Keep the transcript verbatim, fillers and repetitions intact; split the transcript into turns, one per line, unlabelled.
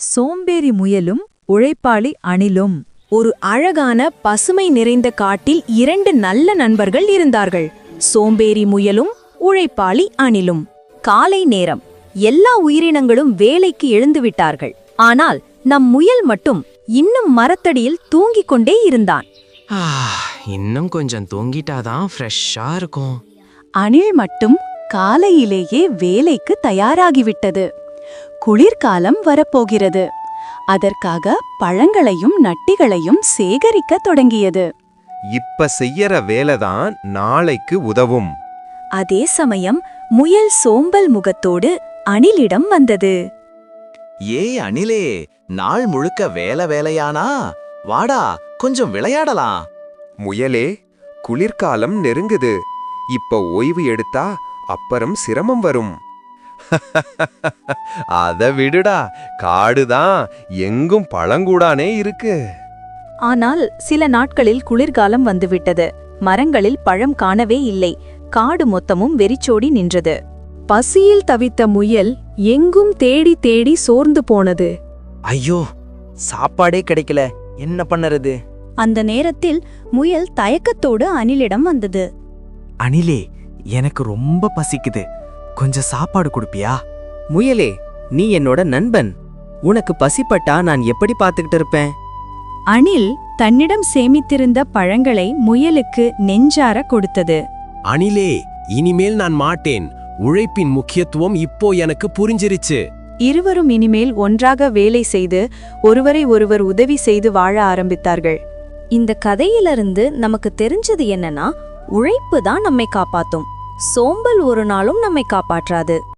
சோம்பேறி முயலும் உழைப்பாளி அணிலும்.
ஒரு அழகான பசுமை நிறைந்த காட்டில் இரண்டு நல்ல நண்பர்கள் இருந்தார்கள். சோம்பேறி முயலும் உழைப்பாளி அணிலும். காலை நேரம். எல்லா உயிரினங்களும் வேலைக்கு எழுந்துவிட்டார்கள். ஆனால் நம் முயல் மட்டும் இன்னும் மரத்தடியில் தூங்கிக் கொண்டே இருந்தான்.
இன்னும் கொஞ்சம் தூங்கிட்டாதான் ஃப்ரெஷ்ஷா இருக்கும்.
அணில் மட்டும் காலையிலேயே வேலைக்கு தயாராகிவிட்டது. குளிர்காலம் வரப்போகிறது. அதற்காக பழங்களையும் நட்டிகளையும் சேகரிக்க தொடங்கியது.
இப்ப செய்யற வேலைதான் நாளைக்கு உதவும்.
அதே சமயம் முயல் சோம்பல் முகத்தோடு அணிலிடம் வந்தது.
ஏ அணிலே, நாள் முழுக்க வேலை வேலையானா? வாடா, கொஞ்சம் விளையாடலாம்.
முயலே, குளிர்காலம் நெருங்குது. இப்ப ஓய்வு எடுத்தா அப்புறம் சிரமம் வரும். அத விடுடா, காடுதான், எங்கும் பழங்கூடானே இருக்கு.
ஆனால் சில நாட்களில் குளிர்காலம் வந்துவிட்டது. மரங்களில் பழம் காணவே இல்லை. காடு மொத்தமும் வெறிச்சோடி நின்றது. பசியில் தவித்த முயல் எங்கும் தேடி தேடி சோர்ந்து போனது.
ஐயோ, சாப்பாடே கிடைக்கல, என்ன பண்ணறது?
அந்த நேரத்தில் முயல் தயக்கத்தோடு அணிலிடம் வந்தது.
அணிலே, எனக்கு ரொம்ப பசிக்குது, கொஞ்சம் சாப்பாடு கொடுப்பியா?
முயலே, நீ என்னோட நண்பன். உனக்கு பசிப்பட்டா நான் எப்படி பார்த்துக்கிட்டு இருப்பேன்?
அணில் தன்னிடம் சேமித்திருந்த பழங்களை முயலுக்கு நெஞ்சார கொடுத்தது.
அணிலே, இனிமேல் நான் மாட்டேன். உழைப்பின் முக்கியத்துவம் இப்போ எனக்கு புரிஞ்சிருச்சு.
இருவரும் இனிமேல் ஒன்றாக வேலை செய்து ஒருவரை ஒருவர் உதவி செய்து வாழ ஆரம்பித்தார்கள். இந்த கதையிலிருந்து நமக்கு தெரிஞ்சது என்னன்னா, உழைப்பு தான் நம்மை காப்பாத்தும். சோம்பல் ஒரு நாளும் நம்மை காப்பாற்றாது.